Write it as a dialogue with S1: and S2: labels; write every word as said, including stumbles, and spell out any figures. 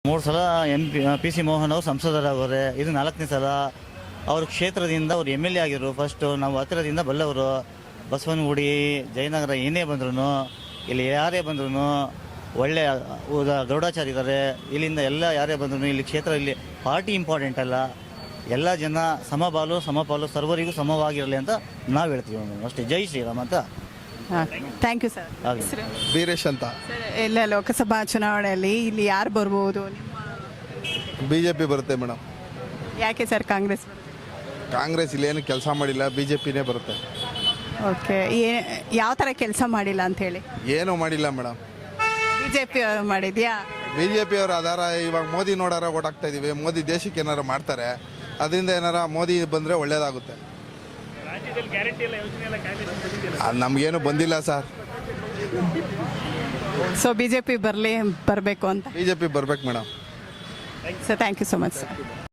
S1: ಮೂರು ಸಲ M P P C Mohan ಅವರು ಸಂಸದರಾಗವ್ರೆ. ಇದು ನಾಲ್ಕನೇ ಸಲ. ಅವ್ರ ಕ್ಷೇತ್ರದಿಂದ ಅವ್ರು ಎಮ್ ಎಲ್ ಎ ಆಗಿರು. ಫಸ್ಟು ನಾವು ಹತ್ತಿರದಿಂದ ಬಲ್ಲವರು. ಬಸವನಗುಡಿ, ಜಯನಗರ ಏನೇ ಬಂದ್ರೂ, ಇಲ್ಲಿ ಯಾರೇ ಬಂದ್ರೂ ಒಳ್ಳೆ ಗೌಡಾಚಾರ್ಯ ಇದ್ದಾರೆ. ಇಲ್ಲಿಂದ ಎಲ್ಲ ಯಾರೇ ಬಂದ್ರೂ ಇಲ್ಲಿ ಕ್ಷೇತ್ರ, ಇಲ್ಲಿ ಪಾರ್ಟಿ ಇಂಪಾರ್ಟೆಂಟ್ ಅಲ್ಲ, ಎಲ್ಲ ಜನ ಸಮಬಾಲು ಸಮಪಾಲು ಸರ್ವರಿಗೂ ಸಮವಾಗಿರಲಿ ಅಂತ ನಾವು ಹೇಳ್ತೀವಿ ಅಷ್ಟೇ. ಜೈ ಶ್ರೀರಾಮ್ ಅಂತ.
S2: Thank you sir.
S1: ಆಗಲಿ.
S3: ವೀರೇಶ್ ಅಂತ.
S2: ಸರ್, ಎಲ್ಲ ಲೋಕಸಭಾ ಚುನಾವಣೆಯಲ್ಲಿ ಇಲ್ಲಿ ಯಾರು ಬರ್ಬೋದು?
S3: ಬಿ ಜೆ ಪಿ ಬರುತ್ತೆ ಮೇಡಮ್.
S2: ಯಾಕೆ ಸರ್ ಕಾಂಗ್ರೆಸ್?
S3: ಕಾಂಗ್ರೆಸ್ ಇಲ್ಲೇನು ಕೆಲಸ ಮಾಡಿಲ್ಲ, ಬಿ ಜೆ ಪಿನೇ ಬರುತ್ತೆ.
S2: ಓಕೆ, ಯಾವ ಥರ ಕೆಲಸ ಮಾಡಿಲ್ಲ ಅಂತ ಹೇಳಿ?
S3: ಏನೂ ಮಾಡಿಲ್ಲ ಮೇಡಮ್.
S2: ಬಿ ಜೆ ಪಿ ಮಾಡಿದ್ಯಾ?
S3: ಬಿ ಜೆ ಪಿ ಅವ್ರು ಆಧಾರ ಇವಾಗ ಮೋದಿ ನೋಡಾರ ಓಟಾಗ್ತಾ ಇದೀವಿ. ಮೋದಿ ದೇಶಕ್ಕೆ ಏನಾರು ಮಾಡ್ತಾರೆ, ಅದರಿಂದ ಏನಾರ ಮೋದಿ ಬಂದರೆ ಒಳ್ಳೇದಾಗುತ್ತೆ. ನಮಗೇನು ಬಂದಿಲ್ಲ sir.
S2: So B J P ಬರಲಿ ಬರಬೇಕು ಅಂತ?
S3: ಬಿ ಜೆ ಪಿ ಬರ್ಬೇಕು madam.
S2: So thank you so much sir.